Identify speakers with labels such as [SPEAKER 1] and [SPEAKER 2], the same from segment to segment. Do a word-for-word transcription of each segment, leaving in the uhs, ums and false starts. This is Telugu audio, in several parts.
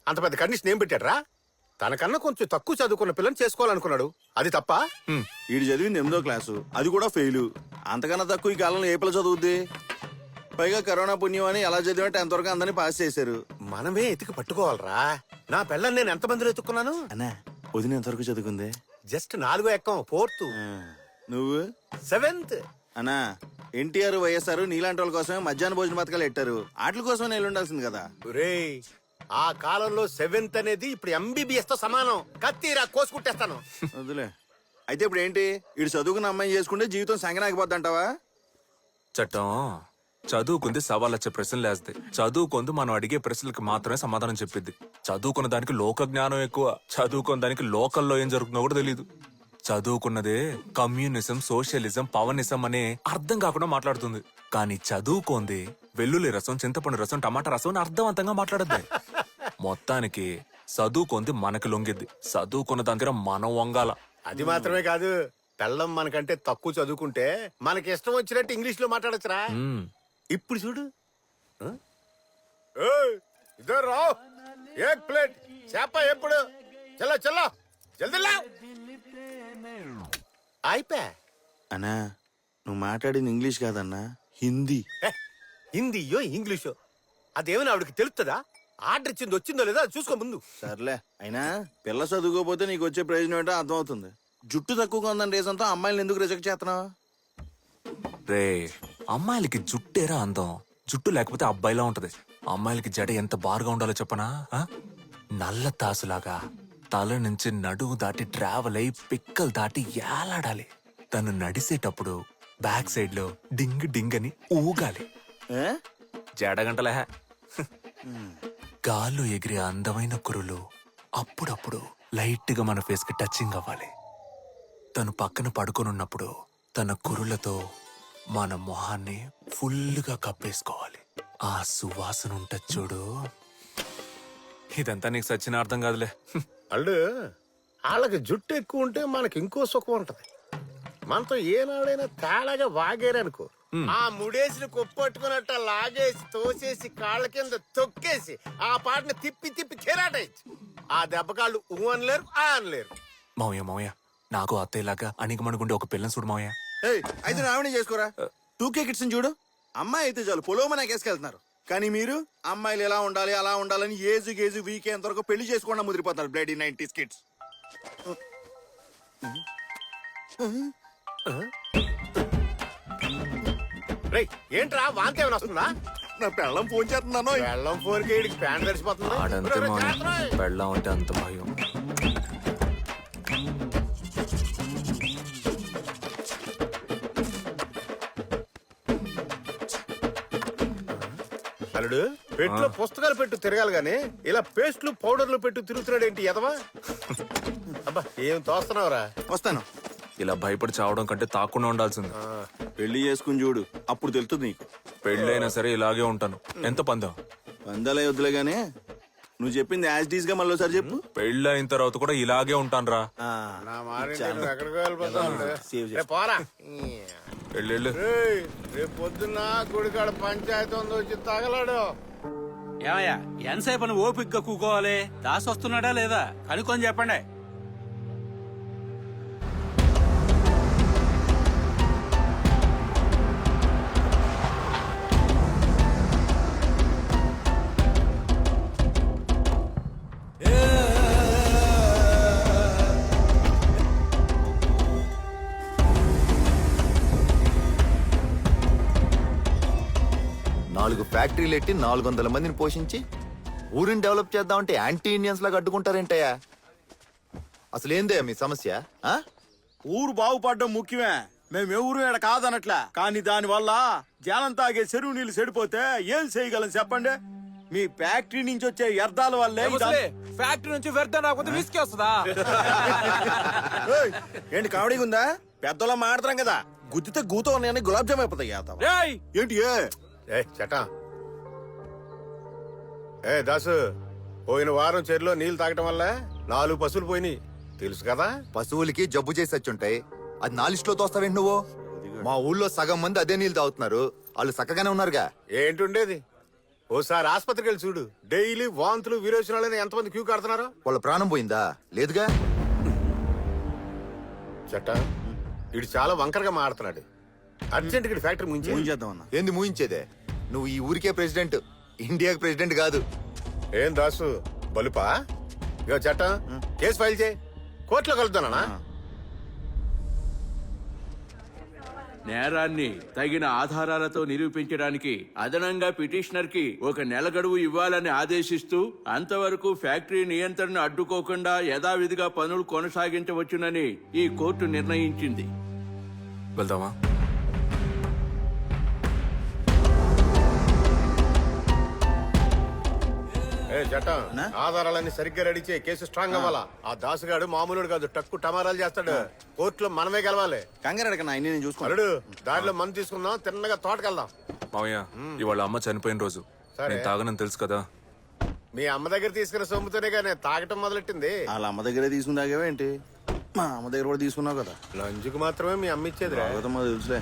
[SPEAKER 1] అంత పెద్ద కండిషన్ ఏం పెట్టాడ్రా? తనకన్నా కొంచెం తక్కువ చదువుకున్న పిల్లని చేసుకోవాలనుకున్నాడు. అది తప్ప?
[SPEAKER 2] వీడు చదివింది ఎనిమిదో క్లాసు, అది కూడా ఫెయిల్. అంతకన్నా తక్కువ ఈ కాలంలో ఏ పిల్ల చదువుద్ది? పైగా కరోనా పుణ్యం అని ఎలా చదివా టెన్త్ వరకు అందరినీ పాస్ చేశారు.
[SPEAKER 1] మనమే ఎతికి పట్టుకోవాలరా. నా పిల్లని నేను ఎంతమందిలో ఎత్తుకున్నాను?
[SPEAKER 2] అన్నా వదిన ఎంతవరకు చదువుకుంది?
[SPEAKER 1] జస్ట్ నాలుగో ఎక్కం, ఫోర్త్.
[SPEAKER 2] నువ్వు?
[SPEAKER 1] సెవెంత్.
[SPEAKER 2] అన్నా ఎన్టీఆర్ వైఎస్ఆర్ నీలాంటి వాళ్ళ కోసమే మధ్యాహ్న భోజన పథకాలు పెట్టారు. వాటి కోసమే నేను ఉండాల్సింది కదా.
[SPEAKER 1] రేయ్, ఆ కాలంలో సెవెంత్ అనేది ఇప్పుడు ఎంబీబీఎస్ తో సమానం. కత్తిరా కోసుకుంటేస్తాను.
[SPEAKER 2] వదిలే. అయితే ఇప్పుడు ఏంటి? ఇటు చదువుకున్న అమ్మాయి చేసుకుంటే జీవితం సంగనాగిపోద్ది అంటావా?
[SPEAKER 3] చట్టం చదువుకుంది సవాళ్ళొచ్చే ప్రశ్నలు వేస్తే, చదువుకుంది మనం అడిగే ప్రశ్నలకు మాత్రమే సమాధానం చెప్పిద్ది. చదువుకున్న దానికి లోక జ్ఞానం ఎక్కువ, చదువుకున్న దానికి లోకల్లో ఏం జరుగుతుందో కూడా తెలియదు. చదువుకున్నదే కమ్యూనిజం, సోషలిజం, పవనిజం అనే అర్థం కాకుండా మాట్లాడుతుంది. కానీ చదువుకోంది వెల్లుల్లి రసం, చింతపండు రసం, టమాటా రసం అని అర్థవంతంగా మాట్లాడద్ది. మొత్తానికి చదువుకుంది మనకి లొంగిద్ది, చదువుకున్న దగ్గర మనం వంగాల.
[SPEAKER 1] అది మాత్రమే కాదు, పెళ్ళం మనకంటే తక్కువ చదువుకుంటే మనకి ఇష్టం వచ్చినట్టు ఇంగ్లీష్ లో మాట్లాడచ్చురా. ఇప్పుడు చూడు, ఇదో రావు ఏక్ ప్లేట్ చేప ఎప్పుడు చల్ల చల్ల జల్దీ లావ్. అయిపోయా.
[SPEAKER 2] అన్నా నువ్వు మాట్లాడింది ఇంగ్లీష్ కాదన్నా, హిందీ.
[SPEAKER 1] హిందీయో ఇంగ్లీషో అదేమైనా ఆవిడకి తెలుస్తుందా? ఆర్డర్ ఇచ్చింది వచ్చిందో లేదా చూసుకో ముందు.
[SPEAKER 2] సర్లే, అయినా పిల్ల చదువుకోపోతే నీకు వచ్చే ప్రయోజనం ఏంటో అర్థమవుతుంది. జుట్టు తక్కువగా ఉందని రీజన్తో అమ్మాయిలను ఎందుకు రిజెక్ట్ చేస్తున్నావు?
[SPEAKER 3] రే, అమ్మాయిలకి జుట్టేరా అందం, జుట్టు లేకపోతే అబ్బాయిలా ఉంటది. అమ్మాయిలకి జడ ఎంత బారుగా ఉండాలో చెప్పనా? ఆ? నల్ల తాసులాగా తల నుంచి నడువు దాటి ట్రావెల్ అయి పిక్కలు దాటి ఏలాడాలి. తను నడిసేటప్పుడు బ్యాక్ సైడ్ లో డింగ్ డింగ్ అని ఊగాలి. జడగంటలే. గాల్లో ఎగిరే అందమైన కురులు అప్పుడప్పుడు లైట్ గా మన ఫేస్ కి టచింగ్ అవ్వాలి. తను పక్కన పడుకొనున్నప్పుడు తన కురులతో మన మొహాన్ని ఫుల్గా కప్పేసుకోవాలి. ఆ సువాసన ఉంటది చూడు. ఇదంతా నీకు సచ్చిన అర్థం కాదులే.
[SPEAKER 1] అల్లు వాళ్ళకి జుట్టు ఎక్కువ ఉంటే మనకి ఇంకో సుఖం ఉంటది. మనతో ఏనాడైనా తేడాగా వాగేరనుకో, ఆ ముడేసిన కొప్పట్టుకున్నట్ట లాగేసి తోసేసి కాళ్ళ కింద తొక్కేసి ఆ పాటను తిప్పి తిప్పి కెరాటేయచ్చు. ఆ దెబ్బ కాళ్ళు ఊ అనలేరు, ఆ అనలేరు.
[SPEAKER 3] మావయ్య మావయ్య, నాకు అత్తయ్యలాగా అణిగమణుగుండే ఒక పిల్లని చూడు మావయ్య.
[SPEAKER 2] అయితే రావణి చేసుకోరా. టూకే కిడ్స్ చూడు, అమ్మాయి అయితే చాలు పొలోమన కేసుకెళ్తున్నారు. కానీ మీరు అమ్మాయిలు ఎలా ఉండాలి అలా ఉండాలని ఏజు గేజు వీకే ఎంతవరకు పెళ్లి చేసుకోకుండా ముదిరిపోతున్నారు. Bloody nineties kids.
[SPEAKER 1] రేయ్, ఏంట్రా వాంతి ఏమైనా వస్తుందా?
[SPEAKER 2] నా పెళ్ళం ఫోన్ చేస్తున్నాను.
[SPEAKER 1] వెళ్ళం ఫోర్ కేడికి ప్యాంట్ తడిసిపోతుంది.
[SPEAKER 3] ఆడంతే మావయ్య, పెళ్ళాం అంటే అంత భయం.
[SPEAKER 1] అల్లుడు, పెట్టులో పుస్తకాలు పెట్టు తిరగాలి గాని ఇలా పేస్ట్లు పౌడర్లు పెట్టు తిరుగుతున్నాడు ఏంటి ఎదవా? అబ్బా ఏం తోస్తున్నావురా?
[SPEAKER 2] వస్తాను.
[SPEAKER 3] ఇలా భయపడి చావడం కంటే తాకుండా ఉండాల్సింది.
[SPEAKER 2] పెళ్లి చేసుకుని చూడు, అప్పుడు తెలుస్తుంది నీకు.
[SPEAKER 3] పెళ్ళైనా సరే ఇలాగే ఉంటాను. ఎంత పందం?
[SPEAKER 2] వందలే వద్దులే గానీ నువ్వు చెప్పింది యాజ్ డీస్ గా మళ్ళీ ఒకసారి చెప్పు.
[SPEAKER 3] పెళ్ళి అయిన తర్వాత కూడా ఇలాగే ఉంటాను రా.
[SPEAKER 1] నా మారింటి నువ్వు ఎక్కడికి వెళ్ళిపోతావు? రేపు పోరా.
[SPEAKER 3] పెళ్ళిళ్ళు
[SPEAKER 1] రేయ్, రేపు పొద్దున్న గుడికాడ పంచాయతీ ఉంది, వచ్చి తగలాడు.
[SPEAKER 4] ఏమయ్యా ఎంతసేపు అని ఓపిగ్గా కూకోవాలి? దాసి వస్తున్నాడా లేదా కనుక్కొని చెప్పండి.
[SPEAKER 5] నాలుగు ఫ్యాక్టరీలు ఎట్టి నాలుగు వందల మందిని పోషించి ఊరిని డెవలప్ చేద్దామంటే యాంటీ ఇండియన్స్ లాగా అడ్డుకుంటారేంటయ్యా? అసలు ఏందయ్యా మీ సమస్య? ఆ?
[SPEAKER 2] ఊరు బాగుపడడం ముఖ్యమే, మేము ఎవరు ఇక్కడ కాదనట్లా. కానీ దాని వల్ల జనం తాగే చెరువు నీళ్లు చెడిపోతే ఏం చేయగలం చెప్పండి? మీ ఫ్యాక్టరీ నుంచి వచ్చే వ్యర్థాల వల్లే.
[SPEAKER 4] ఫ్యాక్టరీ నుంచి వ్యర్థం రాకపోతే విసికి వస్తుందా?
[SPEAKER 2] ఏయ్, ఏంటి కామెడీగా ఉందా? పెద్దలా మాడతాం కదా, గుద్దితే గూతో ఉన్నాయని గులాబ్ జామ్ అయిపోతాయి. ఏంటి ఏ
[SPEAKER 1] ఏ చటా, ఏ దాసు, పోయిన వారం చెరులో నీళ్లు తాగటం వల్ల నాలుగు పశువులు పోయినాయి తెలుసు కదా?
[SPEAKER 5] పశువులకి జబ్బు చేసి వచ్చుంటాయి, అది నా లిస్ట్ లో తోస్తావేంటి నువ్వు? మా ఊళ్ళో సగం మంది అదే నీళ్ళు తాగుతున్నారు, వాళ్ళు చక్కగానే ఉన్నారుగా.
[SPEAKER 1] ఏంటుండేది? ఓసారి ఆసుపత్రికి వెళ్ళి చూడు. డైలీ వాంతులు విరోచనాలని ఎంతమంది క్యూ కడుతున్నారు.
[SPEAKER 5] వాళ్ళ ప్రాణం పోయిందా? లేదుగా.
[SPEAKER 1] చట్ట ఇడు చాలా వంకరగా మాడుతున్నాడు. అర్జెంట్ గా ఫ్యాక్టరీ
[SPEAKER 2] ఫోన్
[SPEAKER 1] ముంచి
[SPEAKER 2] చేద్దాం అన్న.
[SPEAKER 5] ఏంది మూయించేదే? నువ్వు ఈ ఊరికే ప్రెసిడెంట్, ఇండియాకి ప్రెసిడెంట్ కాదు.
[SPEAKER 1] ఏం దాసు బలుపా? ఇగో చట్ట కేసు ఫైల్ చేయి, కోర్టులో కలుద్దానా?
[SPEAKER 4] నేరాన్ని తగిన ఆధారాలతో నిరూపించడానికి అదనంగా పిటిషనర్ కి ఒక నెల గడువు ఇవ్వాలని ఆదేశిస్తూ అంతవరకు ఫ్యాక్టరీ నియంత్రణ అడ్డుకోకుండా యథావిధిగా పనులు కొనసాగించవచ్చునని ఈ కోర్టు నిర్ణయించింది.
[SPEAKER 3] వెళ్దామా?
[SPEAKER 1] ఏ చట్ట ఆధారాలన్నీ సరిగ్గా రెడీ చేయి, కేసు స్ట్రాంగ్ అవ్వాలా. ఆ దాసుగాడు మామూలుడు కాదు, టక్కు టమారాలు చేస్తాడు. కోర్టులో మనమే గెలవాలి.
[SPEAKER 2] కంగారు అడగన్నా, అన్ని నేను చూసుకోవాలి.
[SPEAKER 1] అల్లుడు దారిలో మందు తీసుకుందాం, తిన్నగా తోటకెళ్దాం.
[SPEAKER 3] మావయ్య, ఇవాళ అమ్మ చనిపోయిన రోజు.
[SPEAKER 1] సరే.
[SPEAKER 3] నేను తాగనని తెలుసు కదా.
[SPEAKER 1] మీ అమ్మ దగ్గర తీసుకున్న సొమ్ముతోనే నేను తాగటం మొదలెట్టింది.
[SPEAKER 2] వాళ్ళ అమ్మ దగ్గరే తీసుకుందాగేవేంటి? మా అమ్మ దగ్గర కూడా తీసుకున్నావు కదా.
[SPEAKER 1] లంచుకు మాత్రమే మీ అమ్మ ఇచ్చేది రా.
[SPEAKER 2] మా తెలుసులే.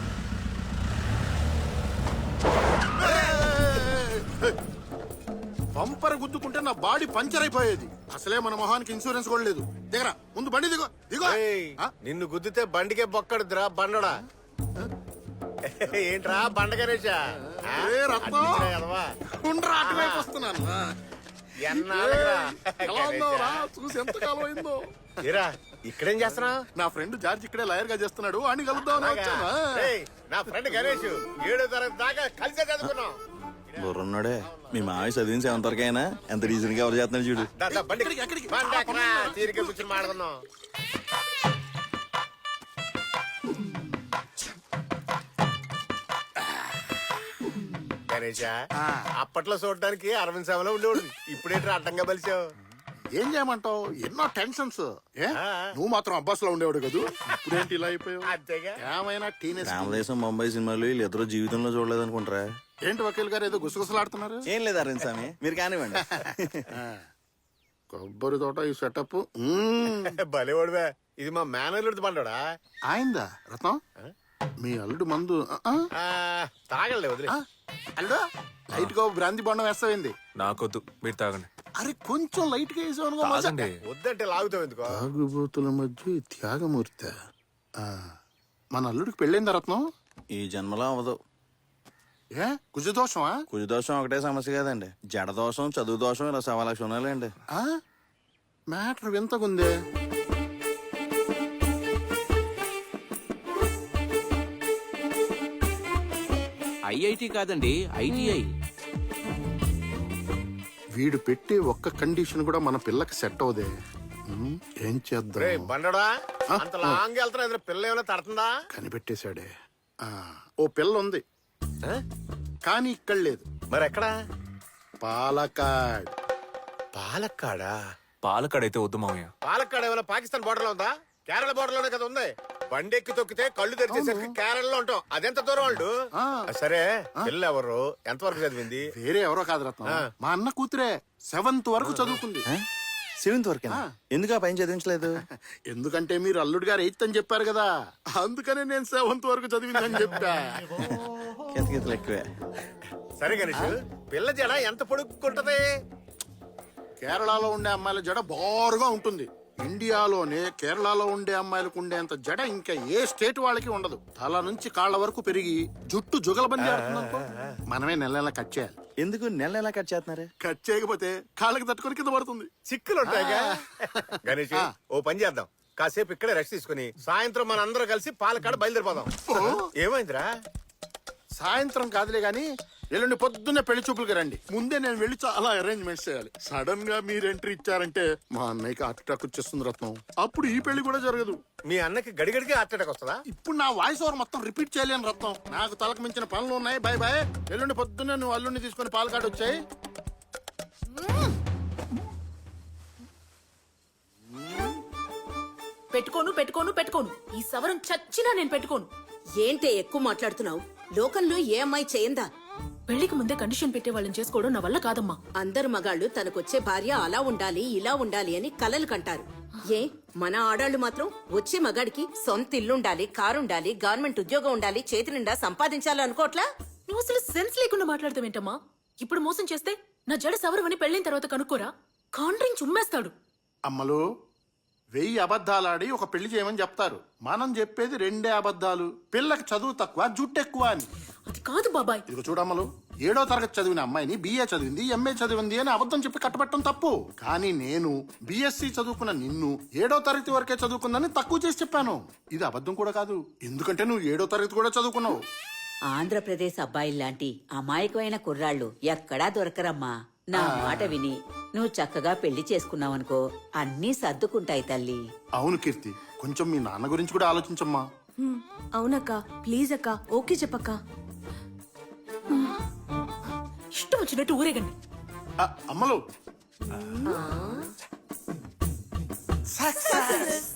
[SPEAKER 6] పంపర్ గుద్దుకుంటే నా బాడీ పంచర్ అయిపోయేది. అసలే మన మొహానికి ఇన్సూరెన్స్ కూడా లేదు. దిగరా ముందు, బండి దిగో దిగో.
[SPEAKER 1] ఏయ్,
[SPEAKER 6] ఆ?
[SPEAKER 1] నిన్ను గుద్దితే బండికే బొక్కడుద్రా బండడా. ఏంట్రా బండ గణేశా? ఆ?
[SPEAKER 6] ఏ రత్నం?
[SPEAKER 1] అడ్డించినా ఎదవా?
[SPEAKER 6] ఉండ్రా, అటువైపు వస్తున్నాను. ఆ.
[SPEAKER 1] ఎన్నాళ్ళురా?
[SPEAKER 6] ఎలా ఉన్నావురా?
[SPEAKER 1] గణేశా.
[SPEAKER 6] చూసి ఎంత కాలం అయిందో.
[SPEAKER 1] ఏరా ఇక్కడేం చేస్తున్నావు?
[SPEAKER 6] నా ఫ్రెండ్ జార్జ్ ఇక్కడే లాయర్ గా చేస్తున్నాడు, అని కలుద్దామని వచ్చాను.
[SPEAKER 1] ఏయ్, నా ఫ్రెండ్ గణేష్ ఏడో తరగతి దాకా కలిసే చదువుకున్నాం.
[SPEAKER 2] బుర్రున్నాడే. మీ మావి చదివిన సెవెంత్ వరకు అయినా ఎంత రీజన్ గా ఎవరు చేస్తున్నాడు చూడు.
[SPEAKER 1] దా, దా, బండి
[SPEAKER 6] ఎక్కడికి, ఎక్కడికి?
[SPEAKER 1] బండి ఎక్కరా? తీరిక కూర్చొని మాట్లాడుకుందాం. గణేష, అప్పట్లో చూడడానికి అరవింద్ సేవలో ఉండేవాడు. ఇప్పుడేంటి అడ్డంగా బలిచావు?
[SPEAKER 6] ఏం చేయమంటావు, ఎన్నో టెన్షన్స్. ఏ
[SPEAKER 1] ఆ.
[SPEAKER 6] నువ్వు మాత్రం అబ్బాస్ లో ఉండేవాడు కదా, ఇప్పుడేంటి ఇలా అయిపోయావు?
[SPEAKER 1] అంతేగా.
[SPEAKER 6] ఏమైనా టీనేజ్.
[SPEAKER 2] రామదేశం ముంబై సినిమాలు వీళ్ళు ఇద్దరు జీవితంలో చూడలేదు అనుకుంటారా?
[SPEAKER 6] ఏంటి వకీల్ గారు ఏదో గుసగుసలాడుతున్నారు?
[SPEAKER 2] ఏం లేదు అరవింద్ స్వామి, మీరు కానివ్వండి.
[SPEAKER 6] కొబ్బరి తోట ఈ సెటప్
[SPEAKER 1] భలేవాడువే. ఇది మా మేనల్లుడి బండోడా?
[SPEAKER 6] ఆయిందా రత్నం? మీ అల్లుడు మందు ఆ, ఆ?
[SPEAKER 1] ఆ, తాగలే వదిలే.
[SPEAKER 6] ఆ? అల్లుడు లైట్ గా బ్రాంతి బొండం వేస్తావింది.
[SPEAKER 3] నాకొద్దు, మీరు తాగండి.
[SPEAKER 6] అరే కొంచెం లైట్ గా వేసావు.
[SPEAKER 3] తాగండి.
[SPEAKER 1] వద్దంటే లాగుతావు ఎందుకో?
[SPEAKER 6] తాగుబోతుల మధ్య ఈ త్యాగమూర్తి. ఆ, మన అల్లుడికి పెళ్ళైందా రత్నం?
[SPEAKER 2] ఈ జన్మలో అవ్వదు.
[SPEAKER 6] ఏ కుజదోషమా?
[SPEAKER 2] కుజ దోషం ఒకటే సమస్య కాదండి, జడ దోషం, చదువు దోషం, ఇలా సవా లక్ష ఉన్నాయండి.
[SPEAKER 6] ఆ? మ్యాటర్ వింతకుందే.
[SPEAKER 4] ఐఐటి కాదండి, ఐటీఐ.
[SPEAKER 6] వీడు పెట్టే ఒక్క కండిషన్ కూడా మన పిల్లకి సెట్ అవదే. ఉమ్, ఏం
[SPEAKER 1] రే
[SPEAKER 6] చేద్దాం?
[SPEAKER 1] బండోడా, అంత లాంగ్ వెళ్తున్నా ఇద్దరు పిల్ల ఏమైనా తడుతుందా?
[SPEAKER 6] కనిపెట్టేశాడే. ఆ, ఓ పిల్ల ఉంది
[SPEAKER 1] ఆ?
[SPEAKER 6] కానీ ఇక్కడ లేదు.
[SPEAKER 1] మరి ఎక్కడా?
[SPEAKER 6] పాలకాడ్.
[SPEAKER 1] పాలక్కాడా?
[SPEAKER 3] పాలకాడైతే వద్దు మావయ్య.
[SPEAKER 1] పాలక్కాడ ఏమైనా పాకిస్తాన్ బోర్డర్ లో ఉందా? కేరళ బోర్డర్ లోనే కదా ఉంది. బండి ఎక్కి తొక్కితే కళ్ళు తెరిచేసరికి కేరళలో ఉంటాం. అదెంత దూరం వాళ్ళు?
[SPEAKER 6] ఆ.
[SPEAKER 1] సరే పిల్ల ఎవరు, ఎంతవరకు చదివింది?
[SPEAKER 6] వేరే ఎవరో కాదు రత్నం, మా అన్న కూతురే. సెవెంత్ వరకు చదువుకుంది.
[SPEAKER 2] సెవెంత్ వరకు ఎందుకు ఆ పైన చదివించలేదు?
[SPEAKER 6] ఎందుకంటే మీరు అల్లుడు గారు ఎయిత్ అని చెప్పారు కదా, అందుకనే నేను సెవెంత్ వరకు చదివిందని చెప్పా.
[SPEAKER 2] కితకితలు ఎక్కువే.
[SPEAKER 1] సరే గణేష్, పిల్ల జడ ఎంత పొడుక్కుంటది?
[SPEAKER 6] కేరళలో ఉండే అమ్మాయిల జడ బారుగా ఉంటుంది. ఇండియాలోనే కేరళలో ఉండే అమ్మాయిలకు ఉండేంత జడ ఇంకా ఏ స్టేట్ వాళ్ళకి ఉండదు. తల నుంచి కాళ్ళ వరకు పెరిగి జుట్టు జుగలబంది ఆడుతుందనుకో, మనమే నెల నెల కట్ చేయాలి.
[SPEAKER 2] ఎందుకు నెల నెలా కట్ చేస్తున్నారు?
[SPEAKER 6] కట్ చేయకపోతే కాళ్ళకి తట్టుకొని కింద పడుతుంది.
[SPEAKER 1] చిక్కులు ఉంటాయిగా. గణేష్ ఓ పని చేద్దాం, కాసేపు ఇక్కడే రెస్ట్ తీసుకుని సాయంత్రం మన అందరం కలిసి పాలకాడ బయలుదేరిపోదాం. ఏమైందిరా?
[SPEAKER 6] సాయంత్రం కాదులే గాని ఎల్లుండి పొద్దున్నే పెళ్లి చూపులకి రండి. ముందే నేను వెళ్ళి చాలా అరేంజ్మెంట్స్ చేయాలి. సడన్ గా మీరు ఎంట్రీ ఇచ్చారంటే మా అన్నయ్యకి హార్ట్ అటాక్ వచ్చేస్తుంది రత్నం. అప్పుడు ఈ పెళ్లి కూడా జరగదు.
[SPEAKER 1] మీ అన్నకి గడిగడికి హార్ట్ అటాక్ వస్తుందా?
[SPEAKER 6] ఇప్పుడు నా వాయిస్ ఓవర్ మొత్తం రిపీట్ చేయలేను రత్నం. నాకు తలకు మించిన పనులు ఉన్నాయి. Bye bye. ఎల్లుండి పొద్దున్నే నువ్వు అల్లుండి తీసుకొని పాలకాడు వచ్చాయి.
[SPEAKER 7] పెట్టుకోను పెట్టుకోను పెట్టుకోను ఈ సవరం చచ్చినా నేను పెట్టుకోను.
[SPEAKER 8] ఏంటే ఎక్కువ మాట్లాడుతున్నావు? లోకంలో ఏ అమ్మాయి చేయందా?
[SPEAKER 7] పెళ్లికి ముందే కండిషన్ పెట్టే వాళ్ళని చేసుకోవడం నా వల్ల కాదమ్మా.
[SPEAKER 8] అందరు మగాళ్ళు తనకొచ్చే భార్య అలా ఉండాలి ఇలా ఉండాలి అని కలలు కంటారు. ఏ మన ఆడాళ్ళు మాత్రం వచ్చే మగాడికి సొంత ఇల్లుండాలి, కారుండాలి, గవర్నమెంట్ ఉద్యోగం ఉండాలి, చేతి నిండా సంపాదించాలి అనుకోట్లా?
[SPEAKER 7] నువ్వు అసలు సెన్స్ లేకుండా మాట్లాడతావేంటమ్మా? ఇప్పుడు మోసం చేస్తే నా జడ సవరమని పెళ్ళైన తర్వాత కనుక్కోరా కాండ్రింగ్ చుమ్మేస్తాడు.
[SPEAKER 6] అమ్మలు వెయ్యి అబద్ధాలాడి ఒక పెళ్లి చేయమని చెప్తారు. మనం చెప్పేది రెండే అబద్ధాలు. పిల్లకి చదువు తక్కువ, జుట్టు ఎక్కువ అని.
[SPEAKER 7] అది కాదు బాబాయ్.
[SPEAKER 6] ఇదిగో చూడమ్మలు, ఏడో తరగతి చదివిన అమ్మాయిని బిఏ చదివింది, ఎంఏ చదివింది అని అబద్ధం చెప్పి కట్టబెట్టడం తప్పు. కానీ నేను బిఎస్సి చదువుకున్న నిన్ను ఏడో తరగతి వరకే చదువుకుందని తక్కువ చేసి చెప్పాను. ఇది అబద్ధం కూడా కాదు, ఎందుకంటే నువ్వు ఏడో తరగతి కూడా చదువుకున్నావు.
[SPEAKER 9] ఆంధ్రప్రదేశ్ అబ్బాయిల్లాంటి అమాయకమైన కుర్రాళ్ళు ఎక్కడా దొరకరమ్మా. నా మాట విని నువ్వు చక్కగా పెళ్లి చేసుకున్నావనుకో అన్నీ సర్దుకుంటాయి తల్లి.
[SPEAKER 6] అవును కీర్తి, కొంచెం మీ నాన్న గురించి కూడా ఆలోచించమ్మా.
[SPEAKER 10] అవునక్క, ప్లీజ్ అక్క, ఓకే చెప్పక్క.
[SPEAKER 7] ఇష్టం వచ్చినట్టు ఊరేగండి.
[SPEAKER 6] ఆ, అమ్మలు